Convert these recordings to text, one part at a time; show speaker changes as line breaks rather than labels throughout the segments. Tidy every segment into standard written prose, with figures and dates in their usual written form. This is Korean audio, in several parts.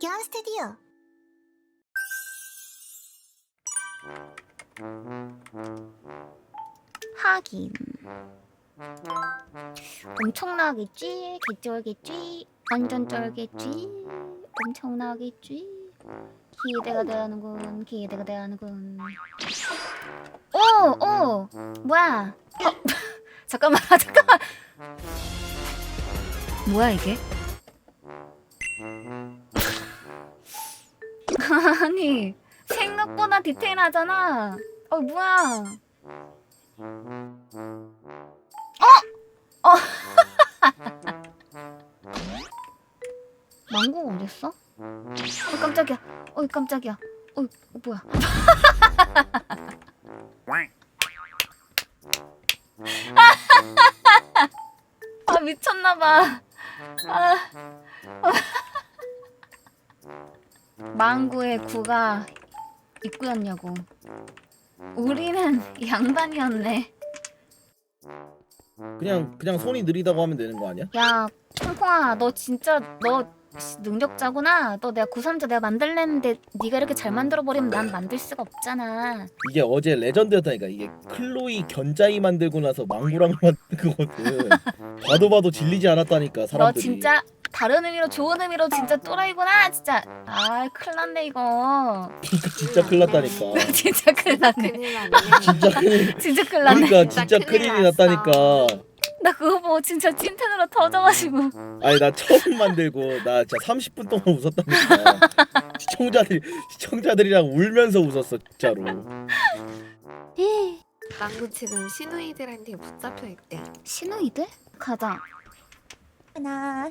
박현 스튜디오.
하긴 엄청나겠지? 개쩔겠지? 완전 쩔겠지? 엄청나겠지? 기대가 되는군. 기대가 되는군. 오! 뭐야? 잠깐만. 뭐야 이게? 아니 생각보다 디테일하잖아. 뭐야? 망고 어딨어? 깜짝이야. 깜짝이야. 뭐야? 미쳤나봐. 망고의 구가 입구였냐고. 우리는 양반이었네.
그냥 손이 느리다고 하면 되는 거 아니야?
야, 콩콩아, 너 진짜 너 능력자구나. 너 내가 구삼자 내가 만들랬는데 네가 이렇게 잘 만들어버리면 난 만들 수가 없잖아.
이게 어제 레전드였다니까. 이게 클로이 견자이 만들고 나서 망고랑 만든 거거든. 봐도 질리지 않았다니까
너
사람들이.
진짜 다른 의미로 좋은 의미로 진짜 또라이구나. 진짜. 큰일 났네 이거.
진짜 큰일 났다니까.
진짜 큰일 났네.
큰일 나네.
진짜 큰일.
진짜 큰일 났네.
그러니까 진짜
큰일
큰일이
났어.
났다니까.
나 그거 보고 진짜 찐텐으로 터져가지고.
아니 나 처음 만들고 나 진짜 30분 동안 웃었다니까. 시청자들이랑 울면서 웃었어 진짜로.
망고 지금 시누이들한테 붙잡혀 있대.
신우이들? 가자.
하나.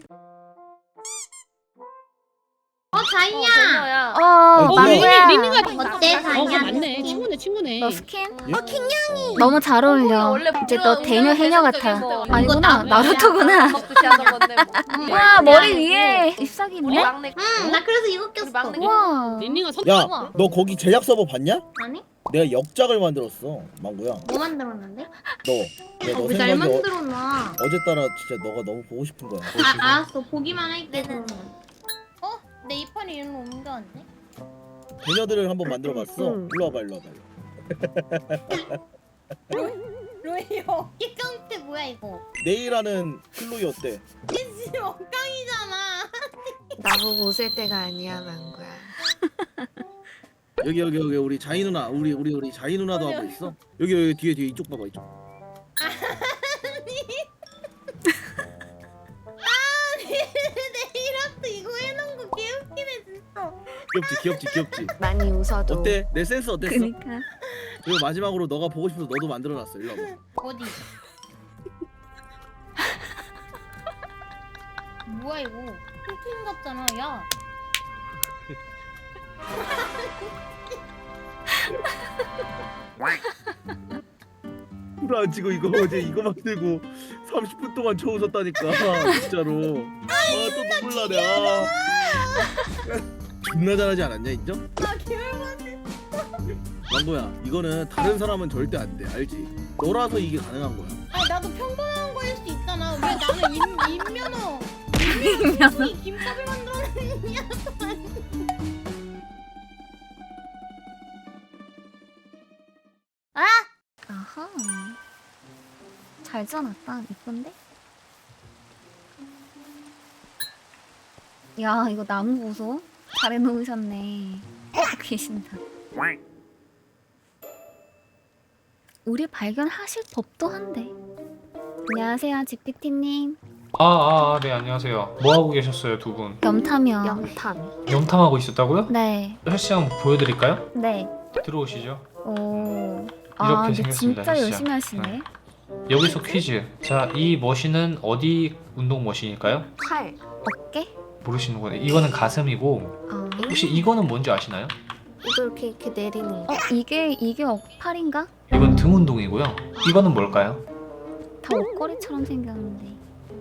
자이야.
망고야.
리니가
어때, 자이야?
맞네. 친구네.
너 스킨?
킹냥이.
너무 잘 어울려. 이제 너 대녀 해녀 같아. 아니구나. 나루토구나. 와, 머리 위에 잎사귀 있네?
나 그래서 이거 꼈어.
우와.
리니가
야, 너 거기 제작 서버 봤냐?
아니?
내가 역작을 만들었어, 망고야.
뭐 만들었는데?
너
왜 잘
생각에
만들었나?
어제 따라 진짜 너가 너무 보고 싶은 거야.
알았어. 보기만 할게.
내 이빨이 일로 옮겨왔네?
배녀들을 한번 만들어봤어.
응.
일로 와봐, 일로 와봐.
로이 어깨 깡패 뭐야 이거?
내일하는 클로이 어때?
지금 엉깡이잖아.
나보고 웃을 때가 아니야, 망고야.
여기 우리 자이 누나, 우리 자이 누나도 하고 있어. 여기 뒤에 이쪽 봐봐, 이쪽.
내 이라도 이거 해놓은 거 개웃기네 진짜.
귀엽지.
많이 웃어도.
어때? 내 센스 어땠어?
그니까.
그리고 마지막으로 너가 보고 싶어서 너도 만들어놨어. 일로 와봐.
어디? 뭐야 이거? 핑핑 같잖아 야.
불안 치고 이거 어제 이거 만들고 30분 동안 쳐 웃었다니까 진짜로. 또 눈물 나네. 존나 잘하지 않았냐 인정?
나 개울받네.
망고야 이거는 다른 사람은 절대 안 돼 알지? 너라서 이게 가능한 거야.
아니 나도 평범한 거일 수 있잖아. 왜 나는 인면허 이 김밥을 만들어냈냐?
아하. 잘 지어놨다. 이쁜데? 야, 이거 나무 보소? 잘 해놓으셨네. 계신다. 우리 발견하실 법도 한데. 안녕하세요, GPT님.
네, 안녕하세요. 뭐 하고 계셨어요, 두 분?
염탐이요.
염탐.
염탐하고 있었다고요?
네,
헬스장 보여드릴까요?
네.
들어오시죠.
오.
이렇게
근데
생겼습니다,
진짜
헬스장.
열심히 하시네.
여기서 퀴즈. 자, 이 머신은 어디 운동 머신일까요?
팔.
어깨?
모르시는구나. 이거는 가슴이고, 혹시 이거는 뭔지 아시나요?
이거 이렇게 내리는 거.
이게 팔인가?
이건 등 운동이고요. 이거는 뭘까요?
다 옷걸이처럼 생겼는데.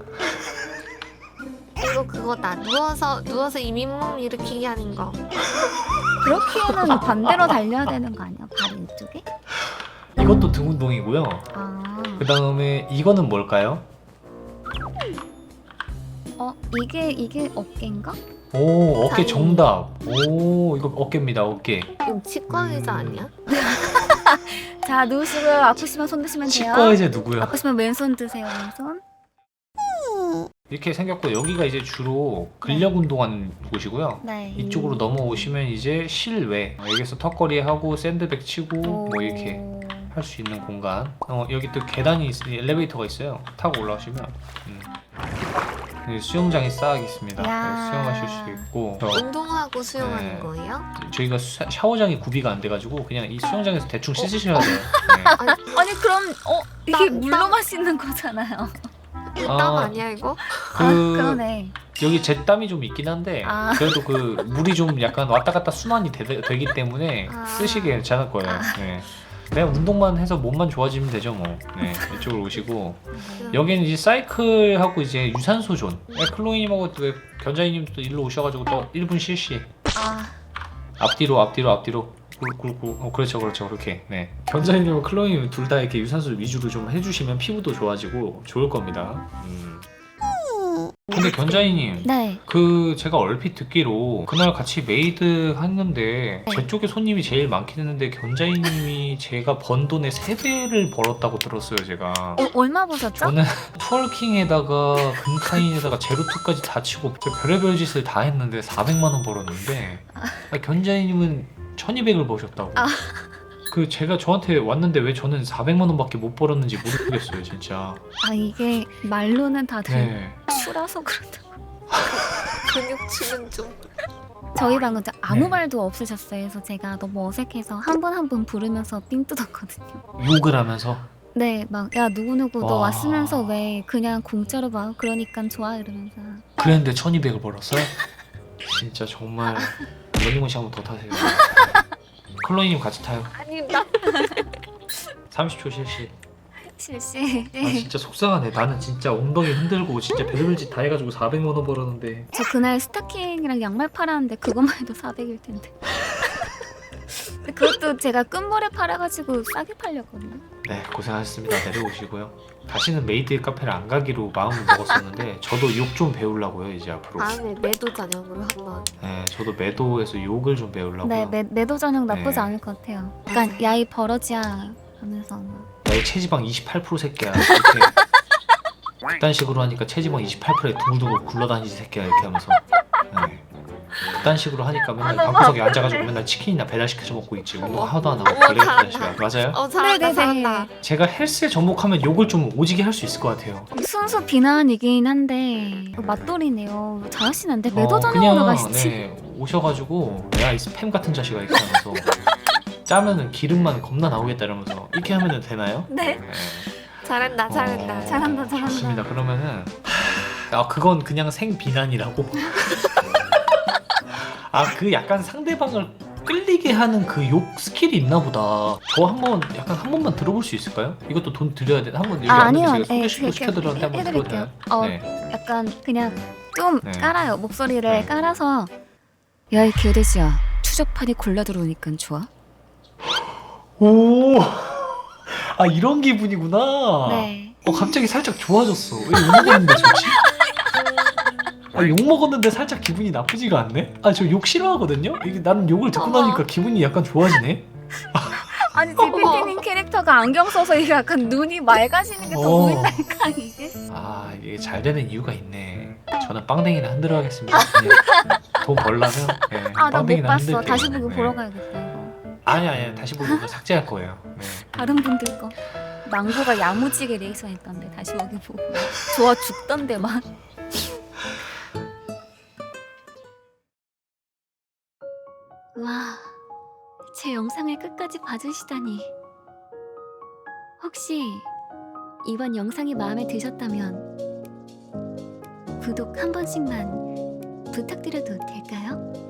이거 그거다. 누워서 이민몸 일으키기 하는 거.
그렇기에는 반대로 달려야 되는 거 아니야? 발 이쪽에?
이것도 등 운동이고요. 그 다음에 이거는 뭘까요?
이게 어깨인가?
오 어깨
다행히.
정답. 오 이거 어깨입니다 어깨.
이거 치과 의자 아니야?
자 누우시고요. 아프시면 손 드시면 돼요.
치과 의자 누구야?
아프시면 왼손 드세요. 왼손.
이렇게 생겼고 여기가 이제 주로 근력 운동하는 곳이고요.
네.
이쪽으로 넘어오시면 이제 실외. 여기서 턱걸이 하고 샌드백 치고 뭐 이렇게 할 수 있는 공간. 여기 또 계단이 엘리베이터가 있어요. 타고 올라오시면 여기 수영장이 싹 있습니다.
야.
수영하실 수 있고
운동하고 수영하는
네.
거예요?
저희가 샤워장이 구비가 안 돼가지고 그냥 이 수영장에서 대충 씻으셔야 돼요. 네.
아니 그럼 이게
땀,
물로
땀.
마시는 거잖아요.
이거
아.
땀 아니야 이거?
그러네.
여기 제 땀이 좀 있긴 한데
아.
그래도 그 물이 좀 약간 왔다 갔다 순환이 되기 때문에
아.
쓰시기 괜찮을 거예요. 네. 그냥 운동만 해서 몸만 좋아지면 되죠 뭐. 네, 이쪽으로 오시고 여기는 이제 사이클하고 이제 유산소 존. 클로이님하고 견자이님도 일로 오셔가지고 또 1분 실시.
아
앞뒤로. 그렇죠 그렇게. 네. 견자이님과 클로이님 둘 다 이렇게 유산소 위주로 좀 해주시면 피부도 좋아지고 좋을 겁니다. 근데 견자이님.
네.
제가 얼핏 듣기로 그날 같이 메이드 했는데 제 쪽에 손님이 제일 많긴 했는데 견자이님이 제가 번 돈의 3배를 벌었다고 들었어요 제가.
얼마 보셨죠?
저는 트월킹에다가 금카인에다가 제로투까지 다 치고 별의별 짓을 다 했는데 400만 원 벌었는데 견자이님은 1200을 버셨다고. 제가 저한테 왔는데 왜 저는 400만 원밖에 못 벌었는지 모르겠어요 진짜.
이게 말로는 다들
네.
추라서 그렇다.
근육치는 좀.
저희 방은 아무
네.
말도 없으셨어요. 그래서 제가 너무 어색해서 한 분 한 분 부르면서 삥 뜯었거든요.
욕을 하면서
네, 막 야 누구누구 너
와.
왔으면서 왜 그냥 공짜로 봐? 그러니까 좋아 이러면서.
그랬는데 1200을 벌었어요? 진짜 정말 러닝머신 한번 더 타세요. 클로이님 같이 타요.
아니 나
30초 실시.
실시.
진짜 속상하네. 나는 진짜 엉덩이 흔들고 진짜 별의별 짓 다 해가지고 400만 원 벌었는데.
저 그날 스타킹이랑 양말 팔았는데 그것만 해도 400일 텐데. 근데 그것도 제가 끝물에 팔아가지고 싸게 팔렸거든요.
네 고생하셨습니다. 내려오시고요. 다시는 메이드 카페를 안 가기로 마음을 먹었었는데 저도 욕 좀 배우려고요 이제 앞으로.
다음에 매도 전형으로 한번.
네 저도 매도에서 욕을 좀 배우려고요.
네, 매도 전형 나쁘지
네.
않을 것 같아요. 약간 야이 버러지야 하면서 막.
야이 체지방 28% 새끼야. 이렇게 그딴 식으로 하니까 체지방 28%에 둥글둥글 굴러다니지 새끼야 이렇게 하면서. 네. 그딴 식으로 하니까 맨날 방구석에 앉아가지고 맨날 치킨이나 배달시켜서 먹고 있지. 운동 하나도 안 하고
우와,
블랙
잘한다.
시간 맞아요?
잘한다
네네네.
잘한다.
제가 헬스에 접목하면 욕을 좀 오지게 할 수 있을 것 같아요.
순수 비난이긴 한데 맛돌이네요. 잘하시는데 매도 전형으로 가시지.
네, 오셔가지고 야 이 스팸 같은 자식아 이렇게 하면서 짜면은 기름만 겁나 나오겠다 이러면서 이렇게 하면 되나요?
네.
잘한다 잘한다.
잘한다, 잘한다.
좋습니다. 그러면은 그건 그냥 생 비난이라고. 그 약간 상대방을 끌리게 하는 그 욕 스킬이 있나 보다. 저 한번 약간 한 번만 들어볼 수 있을까요? 이것도 돈 드려야 돼. 한번 여기
아니요.
왔는데
네,
제가 소개시켜드렸는데 한번 들어도
해드릴게요.
되나요? 네.
약간 그냥 좀
네.
깔아요. 목소리를
네.
깔아서 야 이 개돼지야 추적판이 골라 들어오니까 좋아?
오. 이런 기분이구나.
네.
갑자기 살짝 좋아졌어. 왜 욕먹었는데 좋지? 욕먹었는데 살짝 기분이 나쁘지가 않네? 저 욕 싫어하거든요? 나는 욕을 듣고 나니까 기분이 약간 좋아지네?
아니 지피티님 캐릭터가 안경 써서 이게 약간 눈이 맑아지는 게 더 보인다니까 이게.
이게 잘 되는 이유가 있네. 저는 빵댕이나 흔들어 하겠습니다. 네. 돈 벌려면 네,
나 못
빵댕이나
봤어.
흔들게요.
다시 보기
네.
보러 가야겠다 이거.
아니 다시 보기 삭제할 거예요. 네.
다른 분들 거. 망고가 야무지게 리액션 했던데 다시 보기 보고 좋아 죽던데 막. 와, 제 영상을 끝까지 봐주시다니. 혹시 이번 영상이 마음에 드셨다면 구독 한 번씩만 부탁드려도 될까요?